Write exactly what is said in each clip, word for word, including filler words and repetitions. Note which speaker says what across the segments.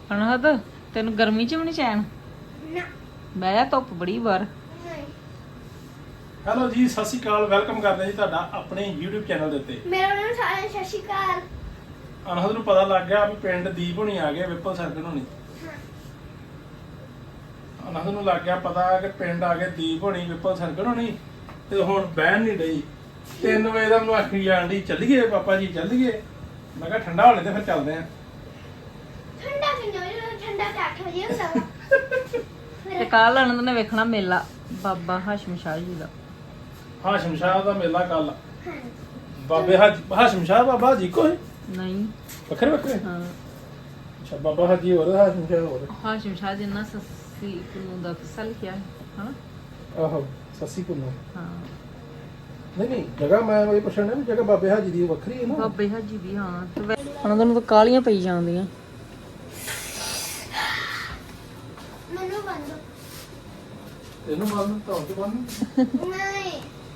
Speaker 1: ਅਨਹਦ ਤੈਨੂੰ ਗਰਮੀ ਚ ਵੀ ਨਹੀਂ ਚੈਨ
Speaker 2: ਨਾ
Speaker 1: ਬਹਿ ਜਾ ਧੁੱਪ ਬੜੀ ਬਾਹਰ।
Speaker 2: ਨਹੀਂ
Speaker 3: ਹੈਲੋ ਜੀ, ਸਤਿ ਸ਼੍ਰੀ ਅਕਾਲ। ਵੈਲਕਮ ਕਰਦੇ ਹਾਂ ਜੀ ਤੁਹਾਡਾ ਆਪਣੇ YouTube ਚੈਨਲ ਦੇ ਉੱਤੇ।
Speaker 2: ਮੇਰਾ ਨਾਮ ਸਾਰਿਆਂ ਨੂੰ ਸਤਿ ਸ਼੍ਰੀ ਅਕਾਲ।
Speaker 3: ਅਨਹਦ ਨੂੰ ਪਤਾ ਲੱਗ ਗਿਆ ਵੀ ਪਿੰਡ ਦੀਪ ਹੋਣੀ ਆ ਗਏ, ਵਿਪਲ ਸਰਗਣ ਹੋਣੀ। ਅਨਹਦ ਨੂੰ ਲੱਗ ਗਿਆ ਪਤਾ ਕਿ ਪਿੰਡ ਆ ਗਏ ਦੀਪ ਹੋਣੀ, ਵਿਪਲ ਸਰਗਣ ਹੋਣੀ, ਤੇ ਹੁਣ ਬਹਿਣ ਨਹੀਂ ਡਈ। ਤਿੰਨ ਵਜੇ ਦਾ ਮੈਨੂੰ ਆਖੀ ਜਾਣ ਡਈ ਚੱਲੀਏ ਪਾਪਾ ਜੀ ਚੱਲੀਏ। ਮੈਂ ਕਿਹਾ ਠੰਡਾ ਹੋਲੇ ਤੇ ਫਿਰ ਚੱਲਦੇ ਆਂ।
Speaker 2: ਠੰਡਾ ਕਿੰਨੇ ਵਜੇ? ਠੰਡਾ ਤਾਂ ਅੱਠ ਵਜੇ ਹੁੰਦਾ ਵਾ।
Speaker 1: ਤੇ ਕੱਲ ਅਨੰਦ ਨੇ ਵੇਖਣਾ ਮੇਲਾ ਬਾਬਾ ਹਾਸ਼ਮ ਸ਼ਾਹ ਜੀ ਦਾ।
Speaker 3: ਹਾਸ਼ਮ ਸ਼ਾਹ ਦਾ ਮੇਲਾ ਕੱਲ।
Speaker 2: ਹਾਂਜੀ
Speaker 3: ਬਾਬੇ ਹਾਜ ਹਾਸ਼ਮ ਸ਼ਾਹ ਬਾਬਾ ਜੀ ਕੋਈ
Speaker 1: ਨਹੀਂ
Speaker 3: ਵੱਖਰੇ ਵੱਖਰੇ?
Speaker 1: ਹਾਂ
Speaker 3: ਅੱਛਾ, ਬਾਬਾ ਹਾਜੀ ਹੋਰ, ਹਾਸ਼ਮ ਸ਼ਾਹ ਹੋਰ।
Speaker 1: ਹਾਸ਼ਮ ਸ਼ਾਹ ਜੀ ਨਾਲ ਸੱਸੀ ਨੂੰ ਦਾ ਕਿੱਸਾ ਲਿਖਿਆ ਹੈ ਹਾਂ।
Speaker 3: ਆਹੋ, ਸੱਸੀ ਕੁੱਲੂ।
Speaker 1: ਹਾਂ
Speaker 3: ਨਹੀਂ ਨਹੀਂ, ਜਗ੍ਹਾ ਮੈਂ ਉਹ ਪੁੱਛਣਾ ਵੀ ਜਗ੍ਹਾ ਬਾਬੇ ਹਾਜੀ ਦੀ ਵੱਖਰੀ ਹੈ ਨਾ।
Speaker 1: ਬਾਬੇ ਹਾਜੀ ਦੀ ਹਾਂ। ਤੇ ਵੈ- ਅਨੰਦ ਨੂੰ ਤਾਂ ਕਾਲੀਆਂ ਪਈ ਜਾਂਦੀਆਂ।
Speaker 2: ਮੈਨੂੰ ਬੰਦ
Speaker 3: ਇਹਨੂੰ ਮਾਰਨ ਤਾਂ ਉਹ ਬੰਨ।
Speaker 2: ਨਹੀਂ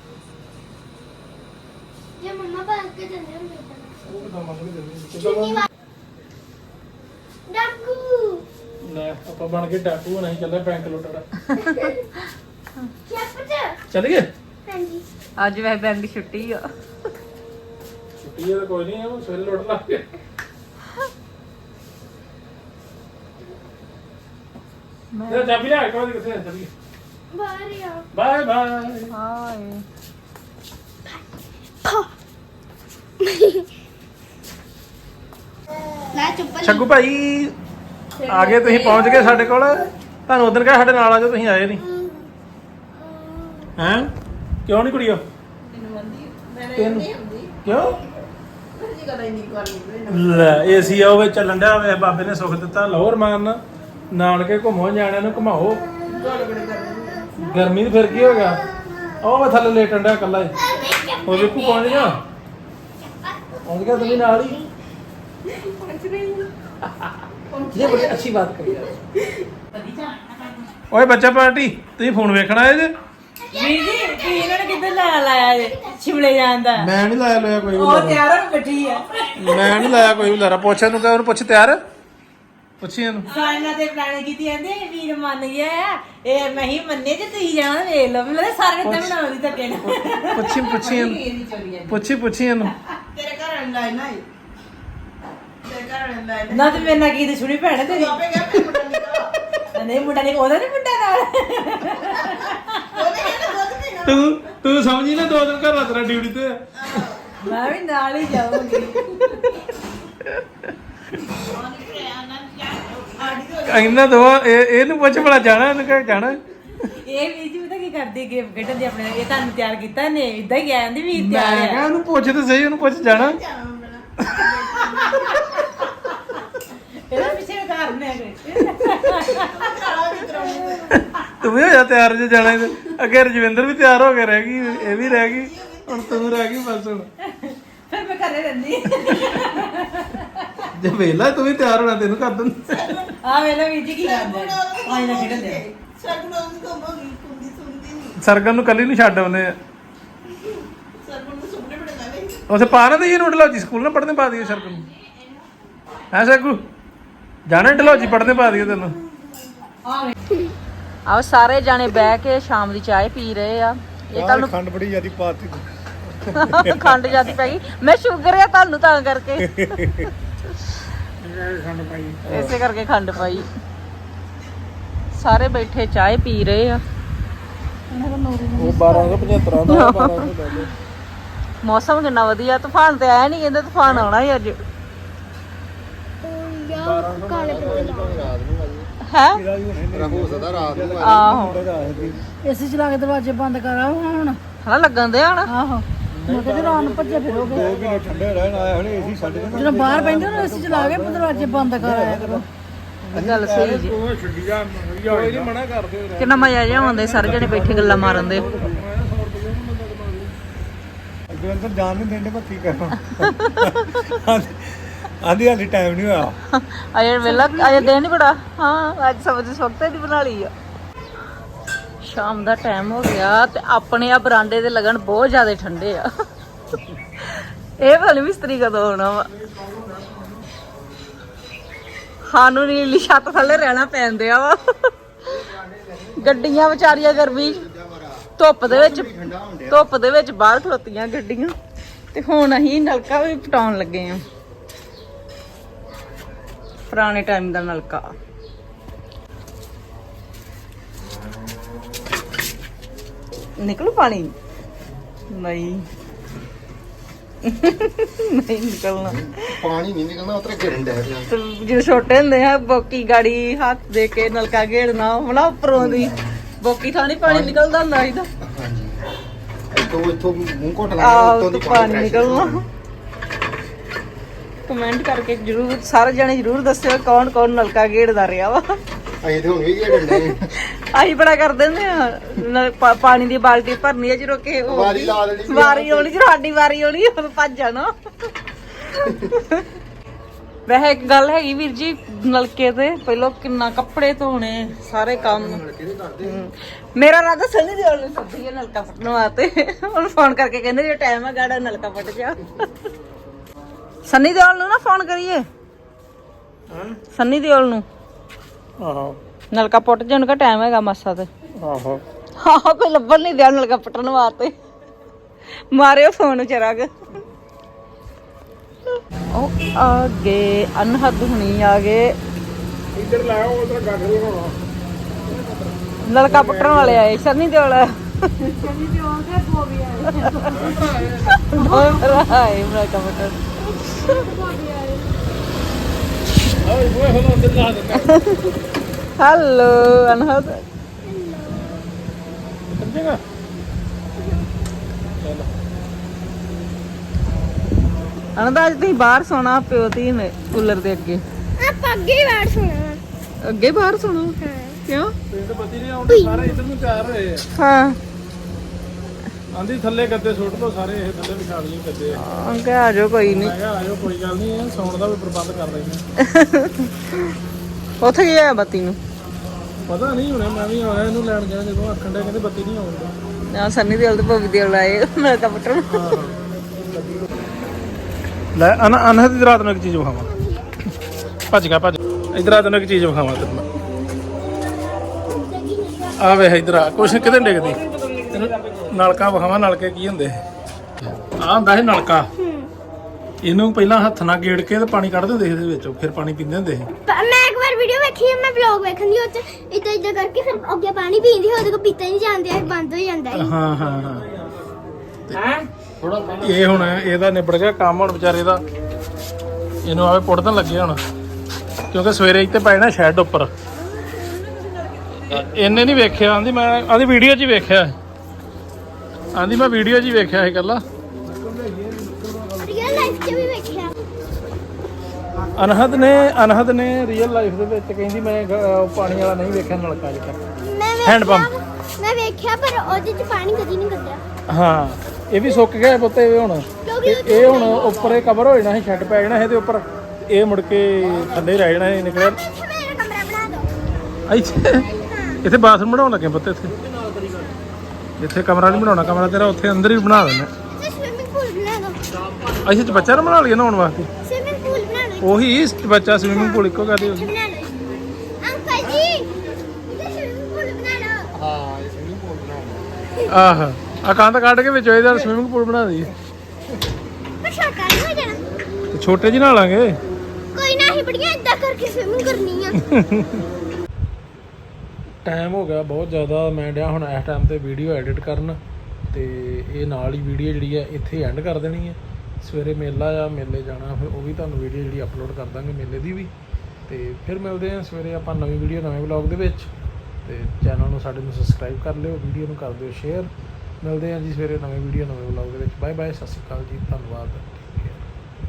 Speaker 2: ਜੇ ਮੰਮਾ ਬਾਹਰ ਕੇ ਜਾਂਦੇ ਹੁੰਦੇ ਤਾਂ
Speaker 3: ਉਹ ਤਾਂ ਮੰਨ ਲਈ
Speaker 2: ਚੁੰਨੀ ਵਾ ਡਾਕੂ
Speaker 3: ਲੈ ਆਪਾਂ ਬਣ ਕੇ ਡਾਕੂ ਨਹੀਂ ਚੱਲੇ ਬੈਂਕ ਲੁੱਟਣਾ।
Speaker 2: ਕੀ ਪਤਾ?
Speaker 3: ਚੱਲ ਗਏ।
Speaker 2: ਹਾਂਜੀ
Speaker 1: ਅੱਜ ਵੈ ਬੈਂਕ ਦੀ ਛੁੱਟੀ ਆ।
Speaker 3: ਛੁੱਟੀ ਹੈ ਤਾਂ ਕੋਈ ਨਹੀਂ, ਉਹ ਸਵੇਰੇ ਲੁੱਟ ਲਾਂਗੇ। ਤੇ ਚਾਬੀ ਲੈ ਕੇ ਕਿੱਥੇ ਚੱਲੀਏ?
Speaker 2: ਬਾਹਰ ਹੀ ਆ।
Speaker 3: Bye bye.
Speaker 1: ਹਾਏ
Speaker 2: ਲੈ ਚੁੱਪ
Speaker 3: ਛੱਗੂ ਭਾਈ ਆ ਗਏ, ਤੁਸੀਂ ਪਹੁੰਚ ਗਏ ਸਾਡੇ ਕੋਲ। ਤੁਹਾਨੂੰ ਉਦੋਂ ਕਿਹਾ ਸਾਡੇ ਨਾਲ ਆ ਜਾਓ, ਤੁਸੀਂ ਆਏ ਨਹੀਂ। ਹੈਂ ਕਿਉਂ ਨਹੀਂ ਕੁੜੀਓ? ਤੈਨੂੰ ਕਿਉਂ? ਲੈ ਏਸੀ ਆ ਉਹ ਚੱਲਣ ਡਿਆ ਹੋਵੇ, ਬਾਬੇ ਨੇ ਸੁੱਖ ਦਿੱਤਾ। ਲਾਹੌਰ ਮਾਰਨ ਨਾਨਕੇ ਘੁੰਮੋ, ਨਿਆਣਿਆਂ ਨੂੰ ਘੁਮਾਓ। ਗਰਮੀ ਤੇ ਫਿਰ ਕੀ ਹੋ ਗਿਆ? ਉਹ ਮੈਂ ਥੱਲੇ ਲੇਟਣ ਡਿਆ ਇਕੱਲਾ ਹੀ। ਉਹ ਵੇਖੂ ਪਹੁੰਚ ਗਿਆ, पहुंच गया तुम्हें नाल ही। ये बड़ी अच्छी बात करी यार। ओए बच्चा पार्टी तुम फोन वेखना है जे?
Speaker 1: ਵੀਰ ਜੀ ਤੁਸੀਂ ਇਹਨਾਂ ਨੇ ਕਿੱਧਰ ਲਾਇਆ ਲਾਇਆ ਜੇ ਸ਼ਿਮਲੇ ਜਾਂਦਾ?
Speaker 3: मैं नहीं लाया लोया कोई भी
Speaker 1: ਉਹ
Speaker 3: लारा।
Speaker 1: ਤਿਆਰ ਹੋ ਬੈਠੀ ਆ।
Speaker 3: मैं नहीं लाया कोई भी लारा। पूछ इनू कह पूछ तैयार पूछी इनू।
Speaker 1: ਸਾਇਨਾ ਤੇ ਪਲਾਨ ਕੀਤੀ ਜਾਂਦੇ ਵੀਰ ਮੰਨ ਗਿਆ ਆ। ਇਹ ਮੈਂ ਹੀ ਮੰਨੇ ਜੇ ਤੁਸੀਂ ਜਾਣਾ ਵੇਖ ਲਓ। ਮੈਨੂੰ ਲੱਗਦਾ ਸਾਰੇ ਤਾਂ ਬਣਾਉਣੀ ਧੱਕੇ ਨਾਲ।
Speaker 3: पूछी पूछी इनू पूछी पूछी इनू।
Speaker 4: ਤੇਰੇ ਘਰ ਵਾਲੀ ਲਾਈਨ ਆਈ ਤੇਰੇ ਘਰ ਵਾਲੀ ਲਾਈਨ
Speaker 1: ਨਾ ਤੇ ਮੇਰੇ ਨਾਲ ਕੀ ਦੁਸ਼ਮਣੀ ਭੈਣ ਤੇਰੀ?
Speaker 4: ਆਪੇ ਗਿਆ ਮੇਰੇ ਮੁੰਡਾ ਨਿਕਾ
Speaker 1: ਨਹੀਂ ਮੁੰਡਾ ਨਹੀਂ, ਉਹਦਾ ਨਹੀਂ ਮੁੰਡਾ ਨਾਲ।
Speaker 4: ਉਹਨੇ ਕਹਿੰਦਾ ਦੁੱਧ ਪੀਣਾ
Speaker 3: तू तू समझी ना, दो दिन घर तेरा ड्यूटी ते है।
Speaker 1: ਮੈਂ ਵੀ ਨਾਲ ਹੀ ਜਾਊਂਗੀ।
Speaker 3: ਇਹਨਾਂ ਦੋ ਇਹ ਇਹਨੂੰ ਪੁੱਛ ਭਲਾ ਜਾਣਾ, ਇਹਨੂੰ ਕਹਿ ਜਾਣਾ।
Speaker 1: ਇਹ ਵੀਰ ਜੀ ਪਤਾ ਕੀ ਕਰਦੀ ਗੇਮ ਖੇਡਣ ਦੀ ਆਪਣੇ। ਇਹ ਤੁਹਾਨੂੰ ਤਿਆਰ ਕੀਤਾ ਨੇ ਇਦਾਂ ਹੀ ਕਹਿੰਦੀ ਵੀਰ
Speaker 3: ਮੈਂ
Speaker 1: ਤਿਆਰ
Speaker 3: ਕਿਹਾ
Speaker 1: ਆ।
Speaker 3: ਉਹਨੂੰ ਪੁੱਛ ਤੇ ਸਹੀ, ਉਹਨੂੰ ਪੁੱਛ ਜਾਣਾ।
Speaker 1: ਇਹਦਾ ਪਿੱਛੇ ਕਾਰਨ ਹੈ ਕੋਈ।
Speaker 3: ਤੂੰ ਵੀ ਹੋ ਜਾ ਤਿਆਰ ਜੇ ਜਾਣਾ ਤੇ। ਅੱਗੇ ਰਜਵਿੰਦਰ ਵੀ ਤਿਆਰ ਹੋ ਕੇ ਰਹਿ ਗਈ, ਇਹ ਵੀ ਰਹਿ ਗਈ, ਹੁਣ ਤੂੰ ਰਹਿ ਗਈ ਬਸ। ਹੁਣ
Speaker 1: ਫਿਰ ਮੈਂ ਘਰੇ ਰਹਿੰਦੀ।
Speaker 3: ਜੇ ਵੇਲਾ ਤੂੰ ਵੀ ਤਿਆਰ ਹੋਣਾ, ਤੈਨੂੰ ਕਰ ਦਿੰਦਾ।
Speaker 1: ਆ ਵੇਲਾ ਵੀਰ ਜੀ ਕੀ ਕਰਦੇ ਆ ਇਹਨਾਂ ਖੇਡਣ ਦੇ।
Speaker 4: ਸਰਗੁਣ ਨੂੰ ਕਹੋਗੀ ਕੁੰਡੀ ਸੁਣਦੀ ਨਹੀਂ
Speaker 3: ਸਰਗਨ ਨੂੰ ਕੱਲੀ ਨੂੰ ਛੱਡ ਆਉਨੇ ਆ।
Speaker 4: ਸਰਗੁਣ ਨੂੰ ਸੁਪਨੇ ਬੜੇ ਲਾਵੇ
Speaker 3: ਉਸੇ ਪਾ ਨਾ ਦਈਏ ਨੂੰ ਡਲੌਜੀ ਸਕੂਲ ਨਾ ਪੜ੍ਹਨੇ ਪਾ ਦਈਏ ਸਰਗਨ ਨੂੰ। ਹੈ ਸਗੂ ਜਾਣਾ ਡਲੌਜੀ ਪੜ੍ਹਨੇ ਪਾ ਦਈਏ ਤੈਨੂੰ।
Speaker 1: ਆਓ ਸਾਰੇ ਜਾਣੇ ਬਹਿ ਕੇ ਸ਼ਾਮ ਦੀ ਚਾਹ ਪੀ ਰਹੇ ਆ। ਇਹ ਤੁਹਾਨੂੰ
Speaker 3: ਖੰਡ ਬੜੀ ਜਿਆਦੀ ਪਾਤੀ।
Speaker 1: ਖੰਡ ਜਿਆਦੀ ਪੈ ਗਈ। ਮੈਂ ਸ਼ੂਗਰ ਆ ਤੁਹਾਨੂੰ ਤਾਂ ਕਰਕੇ
Speaker 3: ਖੰਡ ਪਾਈ।
Speaker 1: ਇਸੇ ਕਰਕੇ ਖੰਡ ਪਾਈ। ਸਾਰੇ ਬੈਠੇ ਚਾਹ ਪੀ ਰਹੇ ਆ।
Speaker 3: ਉਹ ਬਾਰਾਂ ਸੌ ਪਝੱਤਰ ਦਾ ਬਾਰਾਂ ਸੌ ਲੈ ਲਓ।
Speaker 1: ਮੌਸਮ ਕਿੰਨਾ ਵਧੀਆ। ਤੂਫਾਨ ਤੇ ਆਇਆ ਨਹੀਂ, ਕਹਿੰਦੇ ਤੂਫਾਨ ਆਉਣਾ ਹੀ ਅੱਜ।
Speaker 2: ਕਾਲੇ
Speaker 1: ਹੈ
Speaker 3: ਹੋ ਸਕਦਾ ਰਾਤ ਨੂੰ
Speaker 1: ਆਹੋ
Speaker 5: ਏਸੀ ਚਲਾ ਕੇ ਦਰਵਾਜ਼ੇ ਬੰਦ ਕਰਾ ਹੁਣ।
Speaker 1: ਹਨਾ ਲੱਗਣ ਦੇ ਹਣ।
Speaker 5: ਆਹੋ ਮੈਂ ਕਿਹਾ ਰਾਤ ਨੂੰ ਭੱਜੇ ਫਿਰੋਗੇ।
Speaker 3: ਦੋ ਕਿਲੋ ਠੰਡੇ ਰਹਿਣ ਆਇਆ ਹਣੇ ਏਸੀ ਸਾਡੇ
Speaker 5: ਜਦੋਂ ਬਾਹਰ ਬੈਠੇ ਨਾ ਏਸੀ ਚਲਾ ਕੇ ਦਰਵਾਜ਼ੇ ਬੰਦ ਕਰਾਇਆ ਕਰੋ।
Speaker 1: ਗੱਲ ਸਹੀ ਜੀ।
Speaker 3: ਉਹ ਛੱਡੀ ਜਾ, ਕੋਈ ਨਹੀਂ ਮਨਾ ਕਰਦੇ।
Speaker 1: ਕਿੰਨਾ ਮਜ਼ਾ ਜਿਹਾ ਆਉਂਦਾ ਸਾਰੇ ਜਣੇ ਬੈਠੇ ਗੱਲਾਂ ਮਾਰਨ ਦੇ।
Speaker 3: ਅੱਗੇ ਅੰਦਰ ਜਾਣ ਨਹੀਂ ਦਿੰਦੇ, ਪਰ ਕੀ ਕਰਾਂ। ਆਂਦੀ ਹਾਲੀ ਟਾਈਮ ਨਹੀਂ ਹੋਇਆ।
Speaker 1: ਅਜੇ ਵੇਲਾ ਅਜੇ ਦਿਨ ਨਹੀਂ ਬੜਾ। ਹਾਂ ਅੱਜ ਸਬਜ਼ੀ ਇਸ ਵਕਤ ਦੀ ਬਣਾ ਲਈ ਆ। ਸ਼ਾਮ ਦਾ ਟਾਈਮ ਹੋ ਗਿਆ ਤੇ ਆਪਣੇ ਆ ਬਰਾਂਡੇ ਦੇ ਲੱਗਣ ਬਹੁਤ ਜ਼ਿਆਦਾ ਠੰਡੇ ਆ। ਇਹ ਵਾਲੀ ਮਿਸਤਰੀ ਕਦੋਂ ਆਉਣਾ ਵਾ? ਸਾਨੂੰ ਨੀਲੀ ਛੱਤ ਥੱਲੇ ਰਹਿਣਾ ਪੈਂਦਿਆ ਵਾ ਗੱਡੀਆਂ ਵਿਚਾਰੀਆਂ ਗਰਮੀ ਧੁੱਪ ਦੇ ਵਿੱਚ ਧੁੱਪ ਦੇ ਵਿੱਚ ਬਾਹਰ ਖਲੋਤੀਆਂ ਗੱਡੀਆਂ ਤੇ ਹੁਣ ਅਸੀਂ ਨਲਕਾ ਵੀ ਪਟਾਉਣ ਲੱਗੇ ਆ ਪੁਰਾਣੇ ਟਾਈਮ ਦਾ ਨਲਕਾ ਨਿਕਲੂ ਪਾਣੀ ਨਹੀਂ ਨਹੀਂ ਨਿਕਲਣਾ
Speaker 6: ਪਾਣੀ ਨਹੀਂ ਨਿਕਲਣਾ ਉਤਰੇ ਗਿਰਨ ਡੈ ਪਿਆ
Speaker 1: ਤੇ ਜਦੋਂ ਛੋਟੇ ਹੁੰਦੇ ਆ ਬੋਕੀ ਗਾੜੀ ਹੱਥ ਦੇ ਕੇ ਨਲਕਾ ਘੇੜਨਾ ਹੋਣਾ ਉੱਪਰੋਂ ਦੀ ਬੋਕੀ ਥਾਣੀ ਪਾਣੀ ਨਿਕਲਦਾ ਹੁੰਦਾ ਸੀ ਤਾਂ
Speaker 6: ਹਾਂਜੀ ਇੱਥੋਂ ਇੱਥੋਂ ਮੂੰਹ ਘੁੱਟ
Speaker 1: ਆਹ
Speaker 6: ਉੱਤੋਂ
Speaker 1: ਤੋਂ
Speaker 6: ਦੀ
Speaker 1: ਪਾਣੀ
Speaker 6: pressure
Speaker 1: ਨਿਕਲਣਾ ਕਮੈਂਟ ਕਰਕੇ ਜਰੂਰ ਸਾਰੇ ਜਣੇ ਜਰੂਰ ਦੱਸਿਓ ਕੌਣ ਕੌਣ ਨਲਕਾ ਘੇੜਦਾ ਰਿਹਾ ਵਾ
Speaker 6: ਅਸੀਂ ਤੇ ਹੁਣ ਵੀ ਗਿਰਨ ਡੈ
Speaker 1: ਅਸੀਂ ਬੜਾ ਕਰ ਦਿੰਦੇ ਆ ਨਲ- ਪਾ- ਪਾਣੀ ਦੀ ਬਾਲਟੀ ਭਰਨੀ ਆ ਜਦੋਂ ਕਿ ਉਹ-
Speaker 6: ਵਾਰੀ ਲਾ ਦੇਣੀ ਸੀ।
Speaker 1: ਵਾਰੀ ਆਉਣੀ ਜਦੋਂ ਸਾਡੀ ਵਾਰੀ ਆਉਣੀ ਉਦੋਂ ਭੱਜ ਜਾਣਾ ਵੈਸੇ ਇੱਕ ਗੱਲ ਹੈਗੀ ਵੀਰ ਜੀ ਨਲਕੇ ਤੇ ਪਹਿਲਾਂ ਕਿੰਨਾ ਕੱਪੜੇ ਧੋਣੇ ਸਾਰੇ ਕੰਮ ਹਮ। ਮੇਰਾ ਰਾਦਾ ਸਨੀ ਦਿਓਲ ਨੂੰ ਸੱਦੀ ਨਲਕਾ ਫਟਣ ਵਾਸਤੇ ਹੁਣ ਫੋਨ ਕਰਕੇ ਕਹਿੰਦੇ ਜੇ ਟਾਈਮ ਹੈ ਗਾੜਾ ਨਲਕਾ ਫਟ ਜਾ ਸਨੀ ਦਿਓਲ ਨੂੰ ਨਾ ਫੋਨ ਕਰੀਏ ਸਨੀ ਦਿਓਲ ਨੂੰ
Speaker 3: ਆਹੋ
Speaker 1: ਨਲਕਾ ਪੁੱਟ ਜਾਣ ਦਾ ਟਾਈਮ ਹੈਗਾ ਮਾਸਾ ਤੇ
Speaker 3: ਆਹੋ
Speaker 1: ਹਾਂ ਕੋਈ ਲੱਭਣ ਨਹੀਂ ਦਿਆ ਨਲਕਾ ਪਟਣ ਵਾਸਤੇ ਮਾਰਿਓ ਫੋਨ ਚਰਾਗ ਉਹ ਆ ਗਏ ਅਨਹਦ ਹੁਣੀ ਆ ਗਏ
Speaker 3: ਇੱਧਰ ਲਾਓ ਉਧਰ ਗਾਗਰੀ ਹੋਣਾ
Speaker 1: ਨਲਕਾ ਪਟਣ ਵਾਲੇ ਆਏ ਸ਼ਨੀ ਦਿਓਲ
Speaker 5: ਸ਼ਨੀ ਦੇ ਆਉਂਦੇ ਬੋਬੀ ਆਏ
Speaker 1: ਦੋਵੇਂ ਭਰਾ ਆਏ ਨਲਕਾ ਪਟਣ
Speaker 5: ਬੋਬੀ ਆਏ
Speaker 3: ਓਏ ਓਏ ਹੁਣ ਅੰਦਰ ਲਾ ਦੇ
Speaker 1: ਹੈਲੋ ਅਨਹਦ
Speaker 3: ਸਮਝੇਗਾ ਚਲੋ
Speaker 1: ਅਨਹਦ ਅੱਜ ਤੁਸੀਂ ਬਾਹਰ ਸੋਣਾ ਪਿਓ ਤੀ ਨੇ ਕੂਲਰ ਦੇ ਅੱਗੇ
Speaker 2: ਆਪਾਂ ਅੱਗੇ ਹੀ ਬੈਠ ਸੁਣਾ
Speaker 1: ਅੱਗੇ ਬਾਹਰ ਸੋਣਾ ਕਿਉਂ
Speaker 3: ਪਿੰਡ ਬੱਤੀ ਨਹੀਂ ਆਉਂਦੇ ਸਾਰੇ ਇੱਧਰ ਨੂੰ ਤਿਆਰ ਹੋਏ ਆ
Speaker 1: ਹਾਂ
Speaker 3: ਆਂਦੀ ਥੱਲੇ ਗੱਦੇ ਸੁੱਟ ਦੋ ਸਾਰੇ ਇਹ ਥੱਲੇ ਵਿਛਾ ਲਈਏ ਗੱਦੇ
Speaker 1: ਅੰਕੇ ਆ ਜਾਓ ਕੋਈ ਨਹੀਂ
Speaker 3: ਮੈਂ ਕਿਹਾ ਆਜੋ ਕੋਈ ਗੱਲ ਨਹੀਂ ਇਹ ਸੌਣ ਦਾ ਵੀ ਪ੍ਰਬੰਧ ਕਰ ਲੈਂਦੇ
Speaker 1: ਉੱਥੇ ਗਿਆ ਬੱਤੀ ਨੂੰ
Speaker 3: ਪਤਾ ਨਹੀਂ ਹੁਣੇ ਮੈਂ ਵੀ ਆਇਆ ਇਹਨੂੰ ਲੈਣ ਗਿਆ ਜਦੋਂ ਆਖਣ ਦੇ ਕਹਿੰਦੇ ਬੱਤੀ ਨਹੀਂ ਆਉਂਦੀ
Speaker 1: ਨਾ ਸੰਨੀ ਦਿਓਲ ਤੇ ਭੋਗੀ ਦਿਓਲ ਆਏ ਨਲਕਾ ਪਟਣ
Speaker 3: ਲੈ ਅਨ ਅਨਹਦ ਦੀ ਰਾਤ ਨੂੰ ਇੱਕ ਚੀਜ਼ ਵਿਖਾਵਾਂ ਭੱਜ ਗਿਆ ਭੱਜ ਇਧਰ ਆ ਤੈਨੂੰ ਇੱਕ ਚੀਜ਼ ਵਿਖਾਵਾਂ ਤੈਨੂੰ ਆ ਵੇ ਇਧਰ ਆ ਕੁਛ ਕਿਤੇ ਡਿੱਗਦੀ ਤੈਨੂੰ ਨਲਕਾ ਵਿਖਾਵਾਂ ਨਲਕੇ ਕੀ ਹੁੰਦੇ ਆ ਹੁੰਦਾ ਸੀ ਨਲਕਾ ਇਹਨੂੰ ਪਹਿਲਾਂ ਹੱਥ ਨਾਲ ਗੇੜ ਕੇ ਤੇ ਪਾਣੀ ਕੱਢ ਦਿੰਦੇ ਸੀ ਇਹਦੇ ਵਿੱਚੋਂ ਫਿਰ ਪਾਣੀ ਪੀਂਦੇ ਹੁੰਦੇ ਸੀ
Speaker 2: ਮੈਂ ਇੱਕ ਵਾਰ ਵੀਡੀਓ ਵੇਖੀ ਮੈਂ ਵਲੌਗ ਵੇਖਣ ਦੀ ਉੱਤੇ ਇਦਾਂ ਇਦਾਂ ਕਰਕੇ ਫਿਰ ਅੱਗੇ ਪਾਣੀ ਪੀਂਦੀ ਉਹਦੇ ਕੋ ਪੀਤਾ ਨਹੀਂ ਜਾਂਦੇ ਬੰਦ ਹੋ ਜਾਂਦਾ ਹੈ
Speaker 3: ਹਾਂ ਹਾਂ ਹਾਂ ਇਹ ਹੁਣ ਇਹਦਾ ਨਿਬੜ ਗਿਆ ਕੰਮ ਹੁਣ ਵਿਚਾਰੇ ਦਾ ਇਹਨੂੰ ਆਵੇ ਪੁੱਟਣ ਲੱਗੇ ਹੁਣ ਕਿਉਂਕਿ ਸਵੇਰੇ ਇੱਥੇ ਪਏ ਨਾ ਸ਼ੈੱਡ ਉੱਪਰ ਇਹਨੇ ਨਹੀਂ ਵੇਖਿਆ ਆਂਦੀ ਮੈਂ ਆਂਦੀ ਵੀਡੀਓ 'ਚ ਹੀ ਵੇਖਿਆ ਆਂਦੀ ਮੈਂ ਵੀਡੀਓ 'ਚ ਹੀ ਵੇਖਿਆ ਇਹ ਗੱਲਾਂ
Speaker 2: ਰੀਅਲ ਲਾਈਫ 'ਚ ਵੀ ਵੇਖਿਆ
Speaker 3: ਅਨਹਦ ਨੇ ਅਨਹਦ ਨੇ ਰੀਅਲ ਲਾਈਫ ਦੇ ਵਿੱਚ ਕਹਿੰਦੀ ਮੈਂ ਗ- ਪਾਣੀ ਵਾਲਾ ਨਹੀਂ ਵੇਖਿਆ ਨਲਕਾ ਅਜੇ ਤੱਕ
Speaker 2: ਮੈਂ
Speaker 3: ਹੈਂਡ
Speaker 2: ਵੇਖਿਆ
Speaker 3: ਪੰਪ।
Speaker 2: ਮੈਂ ਵੇਖਿਆ ਪਰ ਉਹਦੇ 'ਚ ਪਾਣੀ ਕਦੀ ਨਹੀਂ ਕੱਢਿਆ
Speaker 3: ਹਾਂ ਇਹ ਵੀ ਸੁੱਕ ਗਿਆ ਪੁੱਤ ਇਹ ਹੁਣ
Speaker 2: ਕਿਉਂਕਿ
Speaker 3: ਇਹ- ਇਹ ਹੁਣ ਉੱਪਰ ਇਹ ਕਵਰ ਹੋ ਜਾਣਾ ਸੀ ਛੱਡ ਪੈ ਜਾਣਾ ਇਹਦੇ ਉੱਪਰ ਇਹ ਮੁੜ ਕੇ ਥੱਲੇ ਰਹਿ ਜਾਣਾ ਇਹ ਨਿਕਲਿਆ
Speaker 2: ਇੱਥੇ ਮੇਰਾ ਕਮਰਾ ਬਣਾ ਦਿਓ
Speaker 3: ਇੱਥੇ ਇੱਥੇ ਬਾਥਰੂਮ ਬਣਾਉਣ ਲੱਗੇ ਪੁੱਤ ਇੱਥੇ ਇੱਥੇ ਕਮਰਾ ਨਹੀਂ ਬਣਾਉਣਾ ਕਮਰਾ ਤੇਰਾ ਉੱਥੇ ਅੰਦਰ ਹੀ ਬਣਾ ਦੇਣਾ
Speaker 2: ਇੱਥੇ ਸਵਿਮਿੰਗ ਪੂਲ ਬਣਾ ਦਿਓ
Speaker 3: ਅਸੀਂ ਚ ਬੱਚਾ ਨਾ ਬਣਾ ਲਈਏ ਨਹਾਉਣ ਵਾਸਤੇ
Speaker 2: ਸਵਿਮਿੰਗ ਪੂਲ ਬਣਾ ਲਓ
Speaker 3: ਉਹੀ ਬੱਚਾ ਸਵਿਮਿੰਗ ਪੂਲ ਇੱਕੋ ਕਰਦੇ
Speaker 2: ਇੱਥੇ ਬਣਾ ਲਓ ਅੰਕਲ ਜੀ ਇੱਥੇ ਸਵਿਮਿੰਗ ਪੂਲ ਬਣਾ ਲਓ
Speaker 6: ਹਾਂ ਇਹ ਸਵਿਮਿੰਗ ਪੂਲ ਬਣਾਉਣਾ
Speaker 3: ਆਹ ਆ ਕੰਧ ਕੱਢ ਕੇ ਵਿੱਚ ਇਹਦਾ ਸਵਿਮਿੰਗ ਪੂਲ ਬਣਾ ਦਈਏ
Speaker 2: ਪਰ ਛੋਟਾ ਨਹੀਂ ਹੋ ਜਾਣਾ
Speaker 3: ਤੇ ਛੋਟੇ ਜਿਹੇ ਨਹਾ ਲਾਂਗੇ
Speaker 2: ਕੋਈ ਨਾ ਹੀ ਬੜੀਆਂ ਇਦਾਂ ਕਰਕੇ ਸਵਿਮਿੰਗ ਕਰਨੀ ਆ
Speaker 3: ਟਾਈਮ ਹੋ ਗਿਆ ਬਹੁਤ ਜ਼ਿਆਦਾ ਮੈਂ ਡਿਆ ਹੁਣ ਇਸ ਟਾਈਮ ਤੇ ਵੀਡੀਓ ਐਡਿਟ ਕਰਨ ਤੇ ਇਹ ਨਾਲ ਹੀ ਵੀਡੀਓ ਜਿਹੜੀ ਹੈ ਇੱਥੇ ਐਂਡ ਕਰ ਦੇਣੀ ਹੈ ਸਵੇਰੇ ਮੇਲਾ ਆ ਮੇਲੇ ਜਾਣਾ ਫਿਰ ਉਹ ਵੀ ਤੁਹਾਨੂੰ ਵੀਡੀਓ ਜਿਹੜੀ ਅਪਲੋਡ ਕਰ ਦਾਂਗੇ ਮੇਲੇ ਦੀ ਵੀ ਤੇ ਫਿਰ ਮਿਲਦੇ ਹਾਂ ਸਵੇਰੇ ਆਪਾਂ ਨਵੀਂ ਵੀਡੀਓ ਨਵੇਂ ਵਲੌਗ ਦੇ ਵਿੱਚ ਤੇ ਚੈਨਲ ਨੂੰ ਸਾਡੇ ਨੂੰ ਸਬਸਕ੍ਰਾਈਬ ਕਰ ਲਿਓ ਵੀਡੀਓ ਨੂੰ ਕਰ ਦਿਓ ਸ਼ੇਅਰ ਮਿਲਦੇ ਹਾਂ ਜੀ ਸਵੇਰੇ ਨਵੇਂ ਵੀਡੀਓ ਨਵੇਂ ਵਲੌਗ ਦੇ ਵਿੱਚ ਬਾਏ ਬਾਏ ਸਤਿ ਸ਼੍ਰੀ ਅਕਾਲ ਜੀ ਧੰਨਵਾਦ।